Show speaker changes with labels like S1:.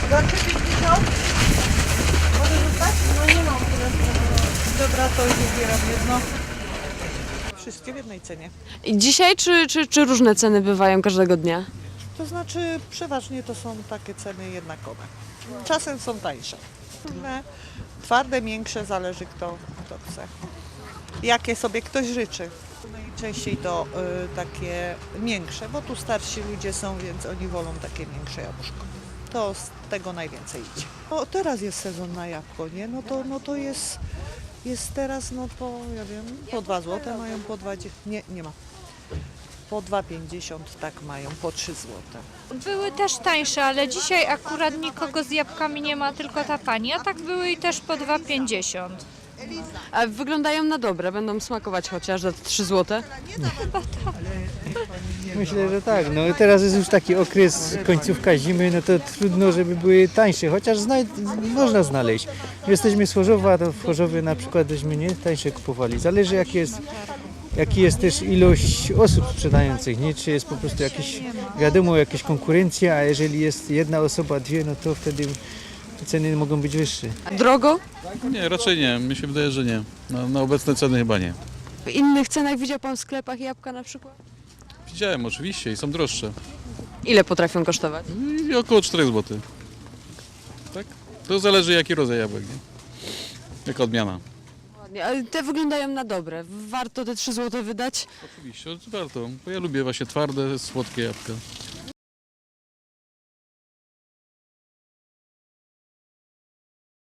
S1: Za 3,50? Może zostać? No nie mam tyle. Dobra, to już wybieram jedno. Wszystkie w jednej cenie.
S2: I dzisiaj czy różne ceny bywają każdego dnia?
S1: To znaczy przeważnie to są takie ceny jednakowe. Czasem są tańsze. Różne, twarde, miększe, zależy kto chce. Jakie sobie ktoś życzy. Najczęściej to takie miększe, bo tu starsi ludzie są, więc oni wolą takie miększe jabłuszko. To z tego najwięcej idzie. No, teraz jest sezon na jabłko, nie? No to jest teraz, no po, ja wiem, po 2 zł mają, po 2, nie ma. Po 2,50 tak mają, po 3 zł.
S3: Były też tańsze, ale dzisiaj akurat nikogo z jabłkami nie ma, tylko ta pani, a tak były i też po 2,50.
S2: A wyglądają na dobre, będą smakować chociaż za 3 zł.
S4: Myślę, że tak. No teraz jest już taki okres, końcówka zimy, no to trudno, żeby były tańsze, chociaż można znaleźć. Jesteśmy z Chorzowa, to w Chorzowie na przykład byśmy nie tańsze kupowali. Zależy jaki jest też ilość osób sprzedających, nie? Czy jest po prostu jakieś, wiadomo, jakaś konkurencja, a jeżeli jest jedna osoba, dwie, no to wtedy ceny mogą być wyższe.
S2: Drogo?
S5: Nie, raczej nie. Mi się wydaje, że nie. Na obecne ceny chyba nie.
S2: W innych cenach widział pan w sklepach jabłka na przykład?
S5: Widziałem oczywiście i są droższe.
S2: Ile potrafią kosztować?
S5: I około 4 zł. Tak? To zależy jaki rodzaj jabłek, nie? Jaka odmiana.
S2: Ładnie, ale te wyglądają na dobre. Warto te 3 zł wydać?
S5: Oczywiście, warto. Bo ja lubię właśnie twarde, słodkie jabłka.